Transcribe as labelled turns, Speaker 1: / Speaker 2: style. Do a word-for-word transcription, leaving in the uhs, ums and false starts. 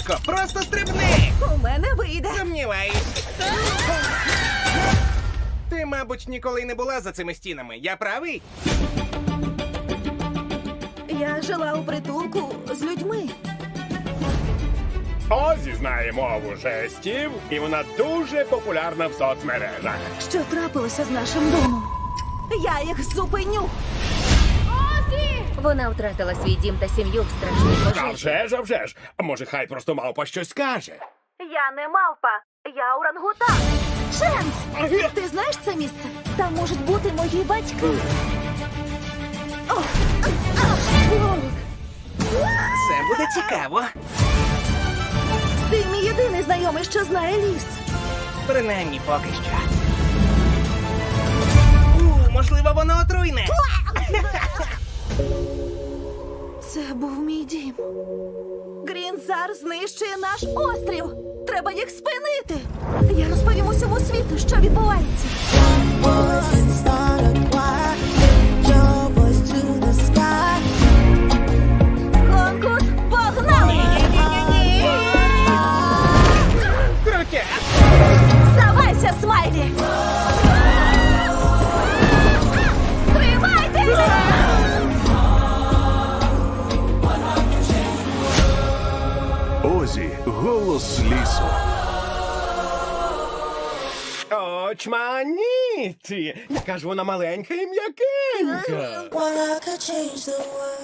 Speaker 1: Швидко, просто стрибни!
Speaker 2: У мене вийде.
Speaker 1: Сумніваюсь. Ти, мабуть, ніколи й не була за цими стінами. Я правий?
Speaker 2: Я жила у притулку з людьми.
Speaker 3: Озі знає мову жестів, і вона дуже популярна в соцмережах.
Speaker 2: Що трапилося з нашим домом? Я їх зупиню.
Speaker 4: Вона втратила свій дім та сім'ю в страшній
Speaker 3: А
Speaker 4: пожежі.
Speaker 3: вже ж, а вже ж. А може, хай просто мавпа щось скаже?
Speaker 2: Я не мавпа, я орангутан. Шенс! Ти знаєш це місце? Там можуть бути мої батьки. О, а, а, Лолік,
Speaker 1: Це буде цікаво.
Speaker 2: ти мій єдиний знайомий, що знає ліс.
Speaker 1: Принаймні поки що. У, можливо, воно отруйне.
Speaker 2: Це був мій дім. Грінзар знищує наш острів. Треба їх спинити. Я розповім усьому світу, що відбувається.
Speaker 5: Voice and start a choir. Lift your voice to the sky.
Speaker 2: Конкурс погнали!
Speaker 1: Крутя!
Speaker 2: Здавайся, Смайлі! Тримайтеся!
Speaker 6: Озі, голос лісу.
Speaker 3: Очманіті! Яка ж вона маленька і м'якенька.
Speaker 5: Well, I could change the world.